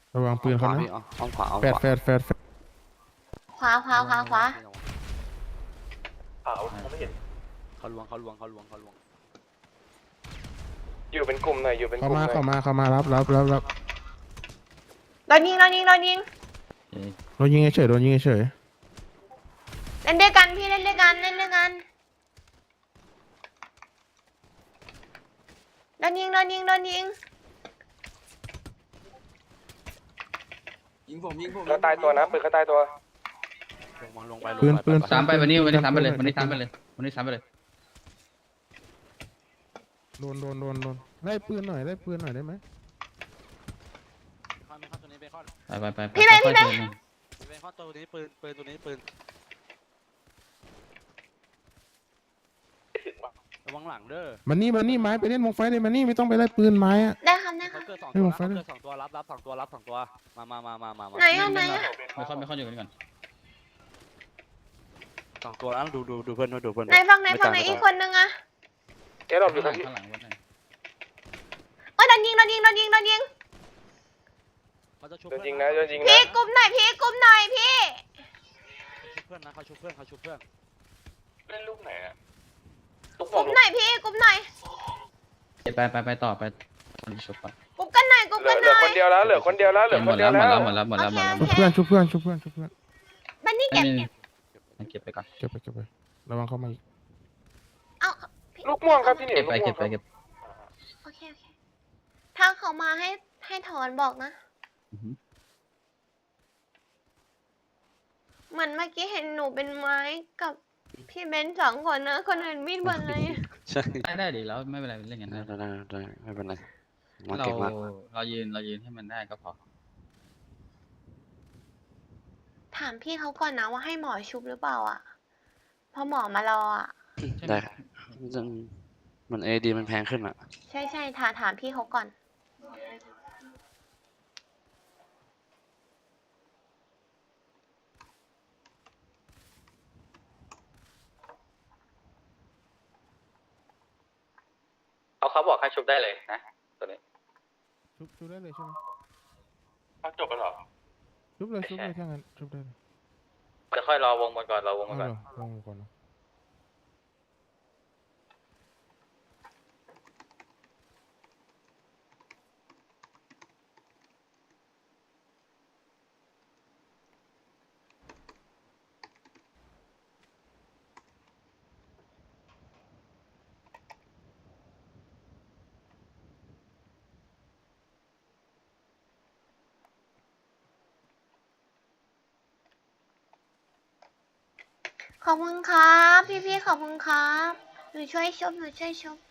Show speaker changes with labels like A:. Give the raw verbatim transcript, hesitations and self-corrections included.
A: ระวังปืนเขานะ
B: อ้อมขวาอ้อม
A: แฟ
B: ข
A: ด
B: วา
A: แฟดแฟดแฟด
C: ขวาขวาขวาขวา
D: เขาเขาไม่เห็น
B: เขาลวงเขาลวงเขาลวงเขาลวง
D: อยู่เป็นกลุ่มหน่อยอยู่เป็นก
A: เข้า
D: ลุ่มห
A: มา
D: น่อย
A: เข้ามาเข้ามารับรับรับรับ
C: โดนยิงโดนยิงโดนยิง
A: โดนยิงเฉยโดนยิงเฉย
C: เล่นด้วยกันพี่เล่นด้วยกันเล่นด้วยกันโดนยิงโดนยิงโดนยิง
E: ยิงผมยิงผม
D: เขาตายตัวนะปืนเขาตายตัว
B: ลงมาลงไปลง
A: ปืน
B: ไป
A: ปืน
F: ซ้ำไปวันนี้วันนี้ซ้ำไปเลยวันนี้ซ้ำไปเลยวันนี้ซ้ำไปเลย
A: โดนโดนโดนโดนไล่ปืนหน่อยไล่ปืนหน่อยได้ไหม
B: เข้าเข้าตัวนี้ไปเข้า
F: ไปไปไป
C: พี่เบนพี่เบน
B: ไปเข้าตัวนี้ปืนปืนตัวนี้ปืนระวังหลังเด้อ
A: มันนี่มันนี่ไม้ไปเล่นวงไฟเลยมันนี่ไม่ต้องไปไล่ปืนไม้อะ
C: ได้ครับได้ค
B: เขา
C: รับ
B: เกิดสอง
A: ให้
B: ตัว
A: ผม
B: นะ
A: ฟั
B: เขา
A: ง
B: เกิดสองตัวรับรับสองตัวรับสองตัวมามามามามามา
C: ไหนอ่ะไหนอ่ะ
F: ไม่ค่อยไม่ค่อยอยู่กันก่อน
B: สองตัวแล้วดูดูดูเพื่อนดูเพื่อน
C: ไหนฟังไหนฟังไหนอีกคนนึงอะ
D: เอ๊ะเราอยู่
F: ข้า
D: กั
F: ง
D: น
F: หลังข้างหลังวันไหน
C: โอ้ยโดนยิงโดนยิงโดนยิงโดนยิง
B: เขาจะชุบ
D: โดน
B: เพื่อน
D: ยิงนะโดนยิง
C: พี่
D: นะ
C: กลุ่มหน่อยพี่กลุ่มหน่อยพี่
B: ชุบเพื่อนนะเขาชุบเพื่อนเขาชุบเพื่อน
D: เล่นลูกไหนอะ
C: กลุ่มหน่อยพี่กลุ่มหน่อย
F: ไปไปไปต่อไปชุบก่อน
C: กลุ่มกันหน่อยกลุ่ม
D: เหลื
C: กั
D: อน เห
C: ห
D: ลื
C: น่
D: อ
C: อย
D: คนเดียวแล้วเหลือคนเดียวแล้วเหลือ
F: ห
D: ค
F: ม
D: น
F: ด
D: เดี
F: แล้
D: ยว ว
F: หม
D: แล้
F: ด
D: ว
F: แล้วหมดแล้วหมดแล้วหมดแล้วหมด
A: ชุ
F: แล้ว
A: บเพื่อนชุบเพื่อนชุบเพื่อนชุบเพื่อน
C: บันนี่
F: ไม่
C: เก็บ
F: มีมันเก็บไปก่อน
A: เก็บไปเก็บไประวังเข้ามาอีก
C: เอาพี่
D: ลูกม่วงครับพี่หนิ
F: เก็
D: ว
F: บ
D: ลูก
F: ไป
D: ม่ว
F: เก็
D: ง
F: บ
D: ครับ
F: ไปเก็บ
C: โอเคโอเคถ้าเขามาให้ให้ถอนบอกนะ เหมือนเมื่อกี้เห็นหนูเป็นไม้กับพี่เบนซ์สองคนนะคนอื่นมีดหมดเลย
B: ใช่
F: ได้ได้ดีแล้วไม่เป็นไรเล่นกัน
B: ได้
F: ได้
B: ได้ได้ไม่เป็นไรมา
F: เรา
B: เก่งมาก
F: เรายืนเรายืนให้มันได้ก็พอ
C: ถามพี่เขาก่อนนะว่าให้หมอชุบหรือเปล่าอ่ะเพอหมอมารออ่ะ
B: ได้มันเอดีมันแพงขึ้นอ่ะ
C: ใช่ใช่ถามถามพี่เขาก่อน
F: เอาเขาบอกให้ชุบได้เลยนะตัวนี้
A: ชุบชุบได้เลยใช่ไหม
D: จบแล้วเหรอ
A: ชุบเลยชุบเลยถ้างั้นชุบได้เลย
F: จะค่อยรอวงบนก่อนรอวงบ
A: เอา
F: น
A: เห
F: ก่
A: ร
F: อน
A: อลองก่อนนะ
C: ขอบคุณครับ พี่พี่ๆขอบคุณครับหนูช่วยชุบหนูช่วยชุบ